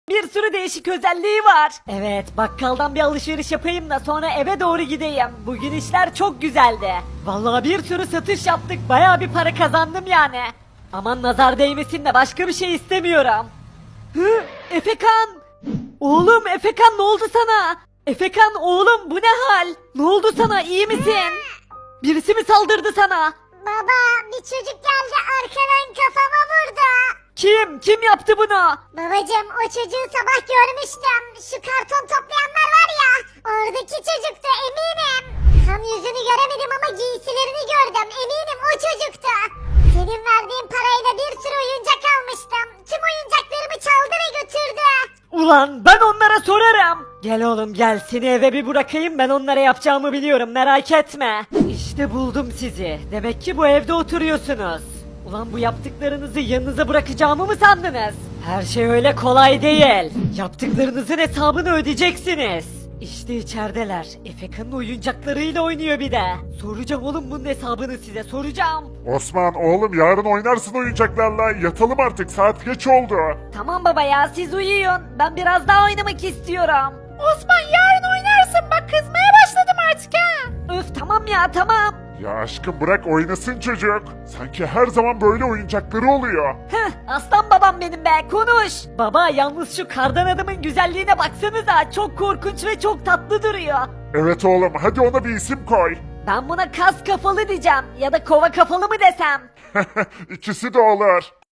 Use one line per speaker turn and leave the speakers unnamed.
Bir sürü değişik özelliği var. Evet, bakkaldan bir alışveriş yapayım da sonra eve doğru gideyim. Bugün işler çok güzeldi. Vallahi bir sürü satış yaptık. Bayağı bir para kazandım yani. Aman nazar değmesin de başka bir şey istemiyorum. Hı, Efekan! Oğlum Efekan ne oldu sana? Efekan oğlum bu ne hal? Ne oldu sana iyi misin? Birisi mi saldırdı sana?
Baba bir çocuk geldi arkadan kafama vurdu.
Kim? Kim yaptı bunu?
Babacım o çocuğu sabah görmüştüm. Şu karton toplayanlar var ya. Oradaki çocuktu eminim. Tam yüzünü göremedim ama giysilerini gördüm. Eminim o çocuktu. Senin verdiğin parayla bir sürü oyuncak almıştım. Tüm oyuncaklarımı çaldı ve götürdü.
Ulan ben onlara sorarım. Gel oğlum gel seni eve bir bırakayım ben onlara yapacağımı biliyorum merak etme. İşte buldum sizi. Demek ki bu evde oturuyorsunuz. Ulan bu yaptıklarınızı yanınıza bırakacağımı mı sandınız? Her şey öyle kolay değil. Yaptıklarınızın hesabını ödeyeceksiniz. İşte içerideler. Efekan'ın oyuncaklarıyla oynuyor bir de. Soracağım oğlum bunun hesabını size soracağım.
Osman oğlum yarın oynarsın oyuncaklarla. Yatalım artık saat geç oldu.
Tamam baba ya siz uyuyun. Ben biraz daha oynamak istiyorum. Osman yarın oynarsın bak kızmaya başladım artık ha. Öf tamam ya tamam.
Ya aşkım bırak oynasın çocuk. Sanki her zaman böyle oyuncakları oluyor.
Heh, aslan babam benim be konuş. Baba yalnız şu kardan adamın güzelliğine baksanıza çok korkunç ve çok tatlı duruyor.
Evet oğlum hadi ona bir isim koy.
Ben buna kas kafalı diyeceğim ya da kova kafalı mı desem.
İkisi de olur.